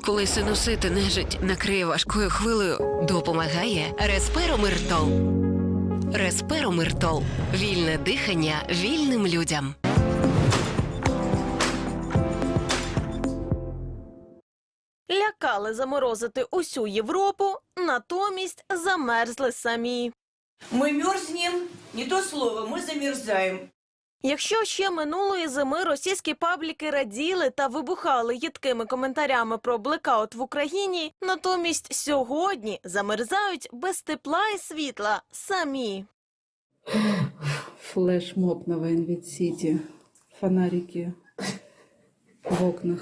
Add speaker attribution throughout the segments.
Speaker 1: Коли синусити нежить накриє важкою хвилею,
Speaker 2: Допомагає Респиромиртол. Респиромиртол. Вільне дихання вільним людям.
Speaker 3: Лякали заморозити усю Європу, натомість замерзли самі.
Speaker 4: Мы мерзнем, не то слово, мы замерзаем.
Speaker 3: Якщо ще минулої зими російські пабліки раділи та вибухали їдкими коментарями про блекаут в Україні, натомість сьогодні замерзають без тепла і світла самі.
Speaker 5: Флешмоб на Вайнвіт-Сіті, фонарики в окнах.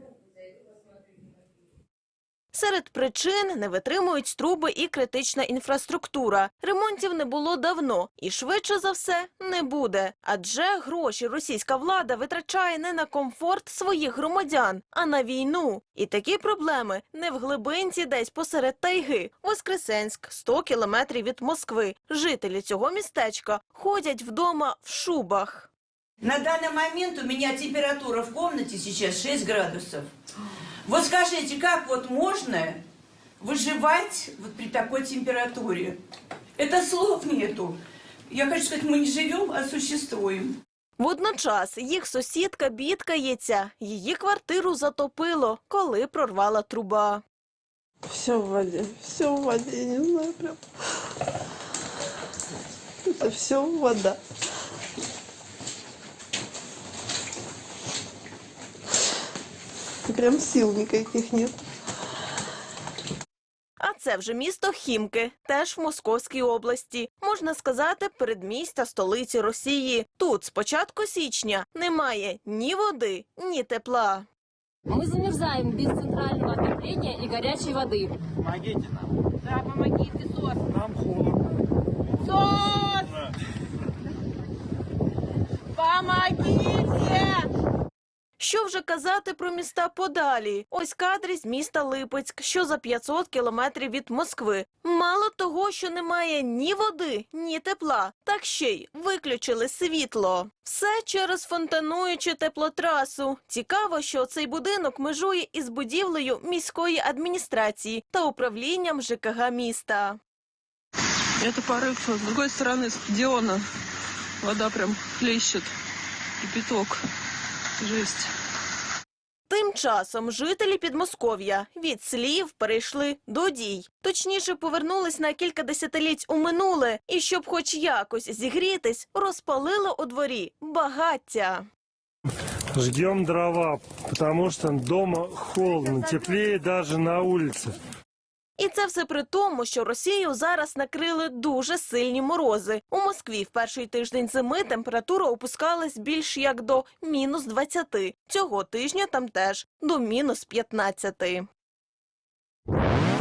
Speaker 3: Серед причин – не витримують труби і критична інфраструктура. Ремонтів не було давно і швидше за все не буде. Адже гроші російська влада витрачає не на комфорт своїх громадян, а на війну. І такі проблеми не в глибинці десь посеред тайги. Воскресенськ, 100 кілометрів від Москви. Жителі цього містечка ходять вдома в шубах.
Speaker 4: На данный момент у меня температура в комнате сейчас 6 градусов. Вот скажите, как вот можно выживать вот при такой температуре? Это слов нету. Я хочу сказать, мы не живем, а существуем.
Speaker 3: Водночас їх сусідка бідкається. Її квартиру затопило, коли прорвала труба.
Speaker 6: Все в воде, я не знаю, прям. Это все вода. Прям сил никаких нет.
Speaker 3: А це вже місто Хімки, теж в Московській області. Можна сказати, передмістя столиці Росії. Тут з початку січня немає ні води, ні тепла.
Speaker 7: Мы замерзаем без центрального отопления и горячей воды.
Speaker 8: Помогите нам.
Speaker 4: Да, помогите, СОС.
Speaker 8: Нам холодно.
Speaker 4: СОС! Помогите!
Speaker 3: Що вже казати про міста подалі? Ось кадри з міста Липецьк, що за 500 кілометрів від Москви. Мало того, що немає ні води, ні тепла, так ще й виключили світло. Все через фонтануючу теплотрасу. Цікаво, що цей будинок межує із будівлею міської адміністрації та управлінням ЖКГ міста.
Speaker 6: Это порыв. С другой стороны стадиона вода прям хлещет. Кипяток. Жесть.
Speaker 3: Тим часом жителі Підмосков'я від слів перейшли до дій. Точніше, повернулись на кілька десятиліть у минуле. І щоб хоч якось зігрітись, розпалили у дворі багаття.
Speaker 8: Жгем дрова, потому что дома холодно, теплее даже на улице.
Speaker 3: І це все при тому, що Росію зараз накрили дуже сильні морози. У Москві в перший тиждень зими температура опускалась більш як до мінус 20. Цього тижня там теж до мінус 15.